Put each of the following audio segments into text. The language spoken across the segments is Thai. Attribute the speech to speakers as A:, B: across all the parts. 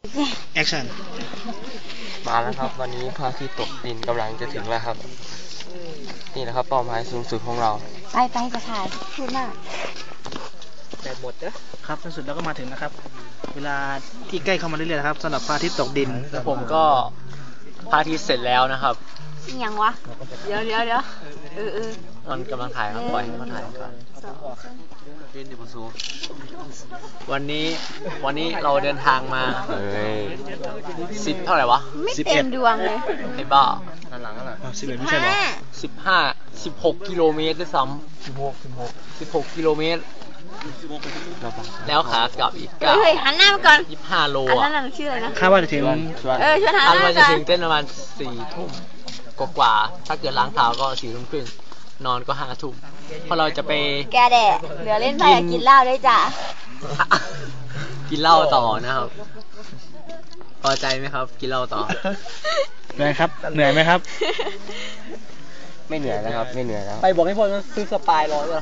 A: แอคชั่น
B: มาแล้วครับวันนี้พระอาทิตย์ตกดินกำลังจะถึงแล้วครับนี่นะครับเป้าหมายสูงสุดของเรา
C: ไปจะถ่ายพูดมาก
B: แต่หมดนะครับ
A: ในสุดแล้วก็มาถึงนะครับเวลาที่ใกล้เข้ามาเรื่อยๆนะครับสำหรับพระอาทิตย์ตกดิน
B: แล้วผมก็พระอาทิตย์เสร็จแล้วนะครับ
C: ยังวะเดี๋ยว
B: มันกำลังถ่ายครับปล่อยให้มันถ่ายก่อนวันนี้เราเดินทางมา10เท่าไหร่วะ
C: ไม่เต็มดวงเลย
B: ไอ้บ้า
A: หลังอะไร11ไม่ใช่หรอ
B: 16กิโลเมตรด้วยซ้ำ16กิโลเมตรแล้วขากลับอีก
C: เฮ้ยหันหน้ามาก่อน
B: 25โล
C: อันนั้นชื่ออะไรนะ
A: คาดว่าจะถึง
C: ชวนหันหน้า
B: ว่าจะถึงเต้นประมาณ4 ทุ่มกว่าถ้าเกิดล้างเท้าก็4 ทุ่มครึ่งนอนก็5 ทุ่มเพราะเราจะไป
C: แกแดดเหลือเล่นไปกินเหล้าได้จ้ะ
B: กินเหล้าต่อนะครับพอใจไหมครับกินเหล้าต่อ
A: เหนื่อยครับเหนื่อยไหมครับ
B: ไม่เหนื่อยนะครับไม่เหนื่อยแล้วไปบอกให้พลซื้อสปายรอเลย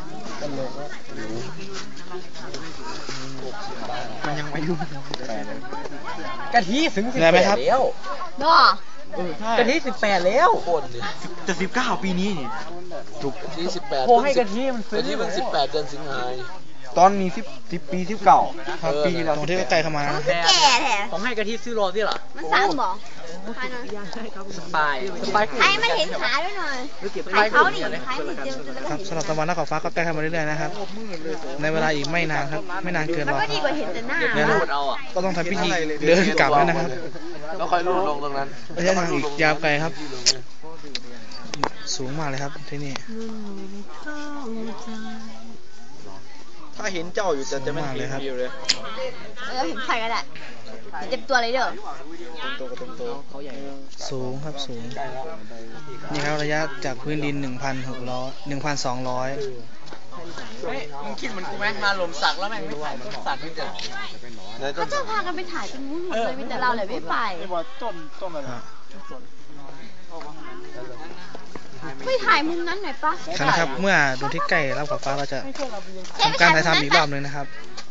A: มันยังไม่ยุ่ง
B: กะทิถึง18แล้ว
C: น้
B: อกะทิ18แล้ว
A: จะ19ปีนี้นี่
B: ถูกกะทิ18โอ้ให้กะทิมันซื้อกะทิมัน18เดือนสิงหา
A: ตอนมี10 ปี19ปีเราตรงที่ใกล้เข้ามานะ
C: แก่แท้
B: ผมให้กะทิซื้อรอที่หรอ
C: มันซ้ำบอก
B: สปาย
C: ให้มันเห็นขาด้วยหน่อยให้เขาดิให้มันเจอ
A: ครับสำหรับตะวันนักขอบฟ้าก็ใกล้เข้ามาเรื่อยๆนะครับในเวลาอีกไม่นานครับไม่นานเกินรอ
C: ก็ดีกว่าเห็นแต่หน้า
A: ก็ต้องทำพิธีเดินกลับแล้วนะครับ
B: แล้วค่อยลงตรงนั้น
A: ระยะทางอีกยาวไกลครับสูงมากเลยครับที่นี่
B: ถ้าเห็นเจ้าอยู่จะไม่เห็นเลยครับ
C: เห็นใครก็ได้เต็มตัวเลยเด้อ
A: สูงครับสูงนี่ครับระยะจากพื้นดิน 1,200
B: มึงคิดเหมือนกูไหมมาหล่มสักแล้วแม่งไม่ถ่ายต้นสักไม่เจอ
C: เขาจะพากันไปถ่ายเป็นมุ้งหมดเลยมีแต่เราเลยไม่ไปไม่ถ่ายมุมนั้นหน่อยปะ
A: ครับเมื่อดูที่ใกล้รับขอบฟ้าเราจะทำการถ่ายทำอีกรอบนึงนะครับ